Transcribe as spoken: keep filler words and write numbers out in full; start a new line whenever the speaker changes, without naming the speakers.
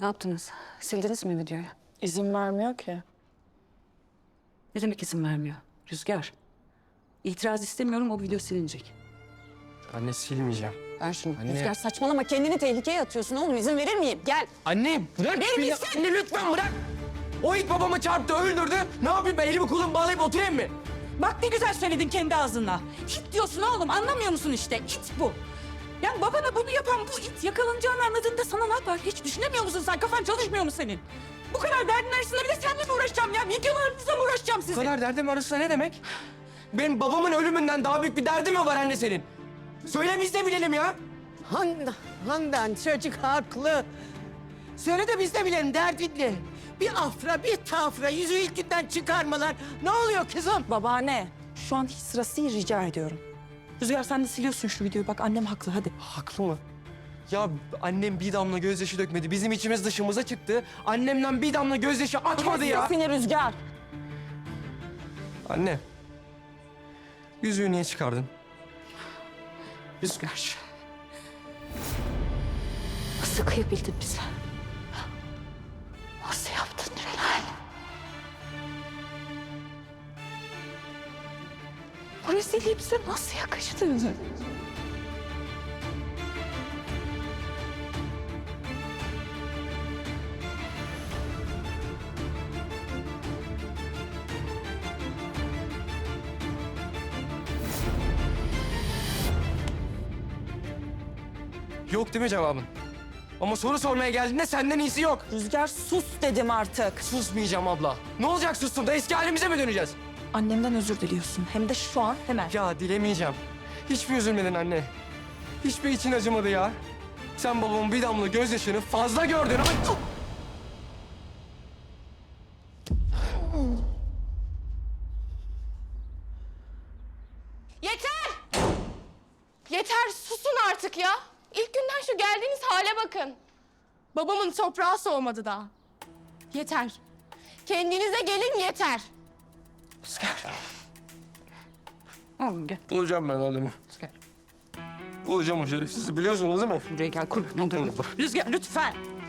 Ne yaptınız? Sildiniz mi videoyu?
İzin vermiyor ki.
Ne demek izin vermiyor? Rüzgar. İtiraz istemiyorum, o video silinecek.
Anne silmeyeceğim.
Ver şunu.
Anne.
Rüzgar saçmalama, kendini tehlikeye atıyorsun oğlum. İzin verir miyim? Gel.
Anne bırak
Verir
beni.
misin?
Anne lütfen bırak. O it babamı çarptı, öldürdü. Ne yapayım ben elimi kolumu bağlayıp oturayım mı?
Bak ne güzel söyledin kendi ağzınla. İt diyorsun oğlum, anlamıyor musun işte? İt bu. Yani babana bunu yapan bu it yakalanacağını anladığında sana ne yapar? Hiç düşünemiyor musun sen? Kafan çalışmıyor mu senin? Bu kadar derdin arasında bir de seninle mi uğraşacağım ya? Videolarınızla mı uğraşacağım
Bu
sizin?
kadar derdim arasında ne demek? Benim babamın ölümünden daha büyük bir derdim mi var anne senin? Söyle biz de bilelim ya.
Handan, Handan çocuk haklı. Söyle de biz de bilelim derdin ne? Bir afra, bir tafra, yüzü ilk günden çıkarmalar. Ne oluyor kızım?
Babaanne, şu an hiç sırası değil, rica ediyorum. Rüzgar sen de siliyorsun şu videoyu. Bak annem haklı, hadi.
Haklı mı? Ya annem bir damla gözyaşı dökmedi. Bizim içimiz dışımıza çıktı. Annemden bir damla gözyaşı akmadı ya.
Seni Rüzgar.
Anne. Yüzüğü niye çıkardın?
Rüzgar. Nasıl kıyabildin bize? Nasıl yaptın Renal? Bu rezilliği bize nasıl yakıştı?
Yok değil mi cevabın? Ama soru sormaya geldiğinde senden iyisi yok.
Rüzgar sus dedim artık.
Susmayacağım abla. Ne olacak sustum da eski halimize mi döneceğiz?
Annemden özür diliyorsun. Hem de şu an hemen.
Ya dilemeyeceğim. Hiçbir üzülmedin anne. Hiçbir için acımadı ya. Sen babamın bir damla gözyaşını fazla gördün. Ay!
Yeter! Yeter, susun artık ya. İlk günden şu geldiğiniz hale bakın. Babamın toprağı soğumadı daha. Yeter. Kendinize gelin yeter.
Oğlum gel.
Bulacağım ben adamı.
Gel.
Bulacağım o şerefsizi biliyorsunuz değil mi?
Buraya gel, kurban olurum.
Rüzgar lütfen.